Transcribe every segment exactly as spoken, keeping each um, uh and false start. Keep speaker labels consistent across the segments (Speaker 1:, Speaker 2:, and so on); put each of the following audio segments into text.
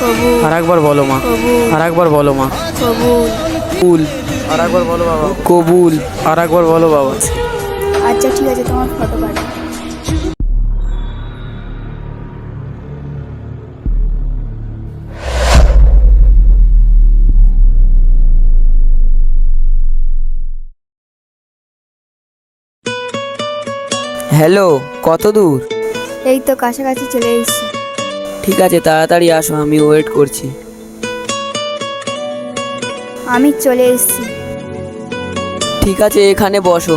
Speaker 1: আর একবার বলো মা, আর একবার বলো মা। কবুল। আর একবার বলো বাবা, কবুল। আর একবার বলো বাবা।
Speaker 2: আচ্ছা ঠিক আছে, তোমার ফটো পাঠাও।
Speaker 3: হ্যালো, কত দূর?
Speaker 2: এই তো কাছাকাছি চলে এসেছি।
Speaker 3: ঠিক আছে, তাড়াতাড়ি আসো, আমি ওয়েট করছি।
Speaker 2: আমি চলে এসেছি।
Speaker 3: ঠিক আছে, এখানে বসো।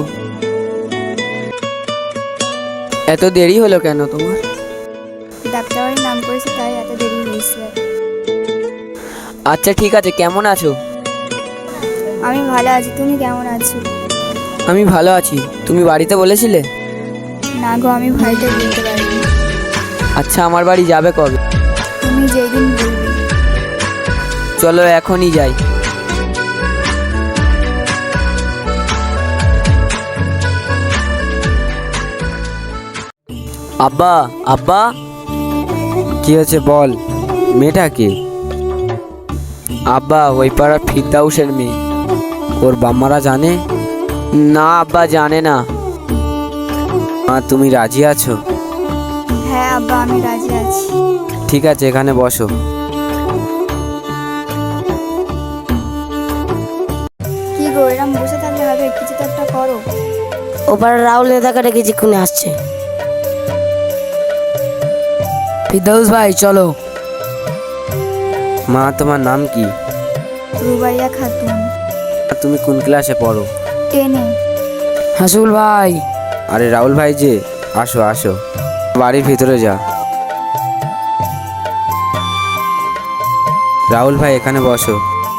Speaker 3: এত দেরি হলো কেন তোমার?
Speaker 2: ডাক্তারবাড়ির নাম করেছে তাই এত দেরি হয়েছে।
Speaker 3: আচ্ছা ঠিক আছে, কেমন আছো?
Speaker 2: আমি ভালো আছি, তুমি কেমন আছো?
Speaker 3: আমি ভালো আছি। তুমি বাড়িতে বলেছিলে?
Speaker 2: না গো, আমি বাড়িতে বলতে পারিনি।
Speaker 3: আচ্ছা, আমার বাড়ি যাবে কবে?
Speaker 2: তুমি যেই দিন বলবে।
Speaker 3: চলো এখনই যাই। আব্বা, আব্বা। কি হয়েছে বল, মেয়েটা কে? আব্বা, ওই পাড়ার ফিরদাউসের মেয়ে। ওর বাম্মারা জানে? না আব্বা, জানে না। মা, তুমি রাজি আছো?
Speaker 2: হ্যাঁ আব্বা, আমি রাজি আছি।
Speaker 3: ঠিক আছে, এখানে বসো।
Speaker 2: কি গো, এরম বসে থাকলে হবে? কিছু তো একটা করো।
Speaker 4: ওপার রাহুল নেতাকে ডেকেছি, খুনে আসছে। ফিরদাউস ভাই চলো।
Speaker 3: মা, তোমার নাম কি?
Speaker 2: রুবাইয়া খাতুন।
Speaker 3: তুমি কোন ক্লাসে পড়ো?
Speaker 2: টেনে।
Speaker 4: হাসুল ভাই।
Speaker 3: আরে রাহুল ভাই যে, আসো আসো, বাড়ির ভিতরে যা। রাহুল ভাই, এখানে বসো।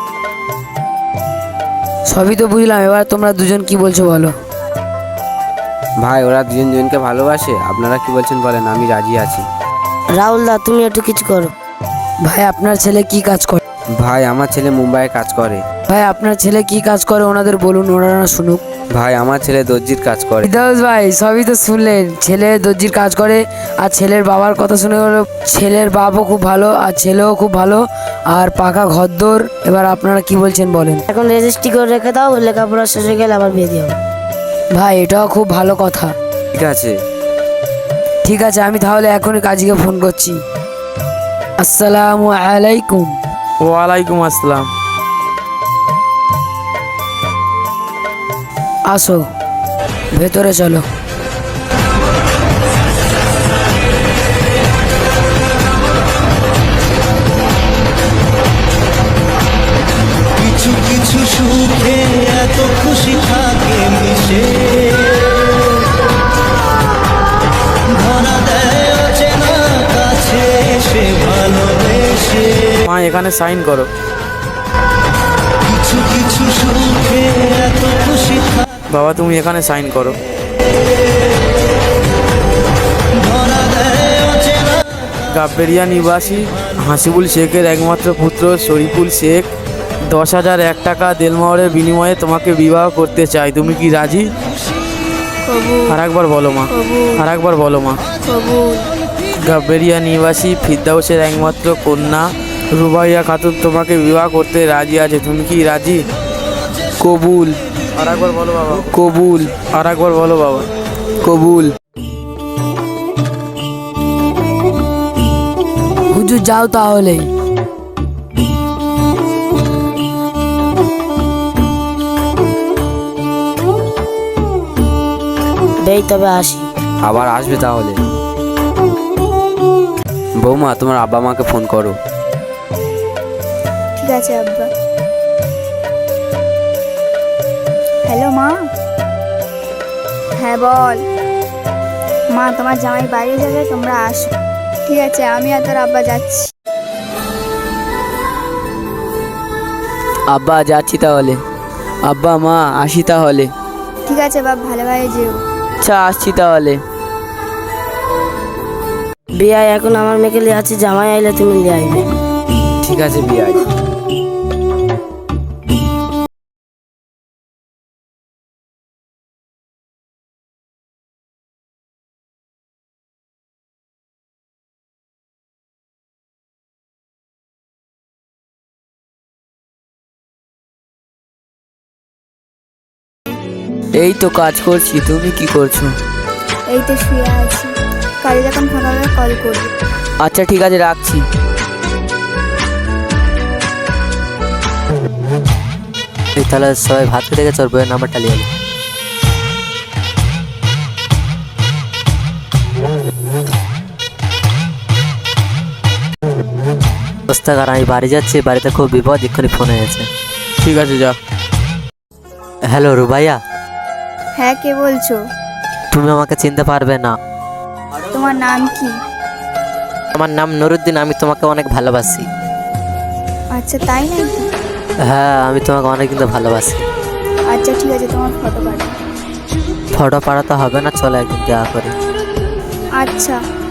Speaker 4: সবই তো বুঝলাম, এবার তোমরা দুজন কি বলছো বলো।
Speaker 3: ভাই, ওরা দুজন দুজনকে ভালোবাসে, আপনারা কি বলছেন বলেন, আমি রাজি আছি।
Speaker 4: রাহুল দা, তুমি একটু কিছু করো। ভাই, আপনার ছেলে কি কাজ করে?
Speaker 3: ভাই, আমার ছেলে মুম্বাইয়ে কাজ করে।
Speaker 4: ভাই, আপনার ছেলে কি কাজ করে ওনাদের বলুন, ওনারা শুনুক।
Speaker 3: ভাই, আমার ছেলে দর্জির কাজ করে।
Speaker 4: ফিরদাউস ভাই, সবই তো শুনলেন, ছেলে দর্জির কাজ করে। আর ছেলের বাবার কথা শুনে হলো, ছেলের বাবাও খুব ভালো আর ছেলেও খুব ভালো, আর পাকা ঘরদোর। এবার আপনারা কি বলছেন বলেন। এখন রেজিস্ট্রি করে রেখে দাও, লেখাপড়া শেষ হয়ে গেলে আবার বিয়ে দিও। ভাই, এটাও খুব ভালো কথা।
Speaker 3: ঠিক আছে।
Speaker 4: ঠিক আছে, আমি তাহলে এখনই কাজীকে ফোন করছি। আসসালামু আলাইকুম।
Speaker 1: ওয়ালাইকুম আসসালাম।
Speaker 4: আসো, ভেতরে চলো।
Speaker 5: কিছু কিছু সুখে এত খুশি থাকে মিশে, ধরা দেয় অচেনা কাছে সে ভালোবেসে।
Speaker 1: মা, এখানে সাইন করো।
Speaker 5: কিছু কিছু সুখে এত খুশি থাকে,
Speaker 1: বাবা, তুমি এখানে সাইন করো।
Speaker 5: ধরা দেয় অচেনা।
Speaker 1: গাব্বেরিয়া নিবাসী হাসিবুল শেখের একমাত্র পুত্র শরীফুল শেখ দশ হাজার এক টাকা দেলমোহরের বিনিময়ে তোমাকে বিবাহ করতে চাই, তুমি কি রাজি? আর একবার বলো মা, আর একবার বলো মা। গাব্বেরিয়া নিবাসী ফিরদাউসের একমাত্র কন্যা রুবাইয়া খাতুন তোমাকে বিবাহ করতে রাজি আছে, তুমি কি রাজি? কবুল। আর একবার বলো বাবা, কবুল। আর একবার বলো বাবা, কবুল।
Speaker 4: হুজুর, যাও তাহলে। বেই, তবে আসি।
Speaker 3: আবার আসবে তাহলে। বৌমা, তোমার আব্বা মাকে ফোন করো।
Speaker 2: ঠিক আছে আব্বা। হ্যালো মা। হ্যাঁ বল। মা, তোমার জামাই বাইরে যাবে, তোমরা আসো। ঠিক আছে, আমি আর তোর আব্বা যাচ্ছি।
Speaker 3: আব্বা, যাচ্ছি তাহলে। আব্বা, মা, আসি তাহলে।
Speaker 2: ঠিক আছে বাপ, ভালোভাবে যেও।
Speaker 3: আচ্ছা, আসছি তাহলে।
Speaker 4: বিয়ে এখন আমার মেয়েকে লিয়ে আছে, জামাই আইলে তুমি লিয়ে আইবে।
Speaker 3: ঠিক আছে বিয়াই। এই তো কাজ করছি, তুমি কি করছো?
Speaker 2: এই তো শুয়ে আছি, কাজে যখন ফাঁকা হবে কল করবি।
Speaker 3: আচ্ছা ঠিক আছে, রাখছি।
Speaker 6: তাহলে সবাই ভাত খেতে গেছে, ওর বইয়ের নাম্বারটা নিয়ে এলো। পুস্তকার আমি বাড়ি যাচ্ছি, বাড়িতে খুব বিপদ, এক্ষুনি ফোন হয়েছে।
Speaker 1: ঠিক আছে, যা।
Speaker 6: হ্যালো রুবাইয়া,
Speaker 2: হ্যাঁ, কে বলছো?
Speaker 6: তুমি আমাকে চিনতে পারবে না।
Speaker 2: তোমার নাম কি?
Speaker 6: আমার নাম নুরুদ্দিন, আমি তোমাকে অনেক ভালোবাসি।
Speaker 2: আচ্ছা, তাই নাকি?
Speaker 6: হ্যাঁ, আমি তোমাকে অনেক কিন্তু ভালোবাসি।
Speaker 2: আচ্ছা ঠিক আছে, তোমার ফটো পাঠাও।
Speaker 6: ফটো পাঠাতে হবে না, চলো একদিন দেখা করি।
Speaker 2: আচ্ছা।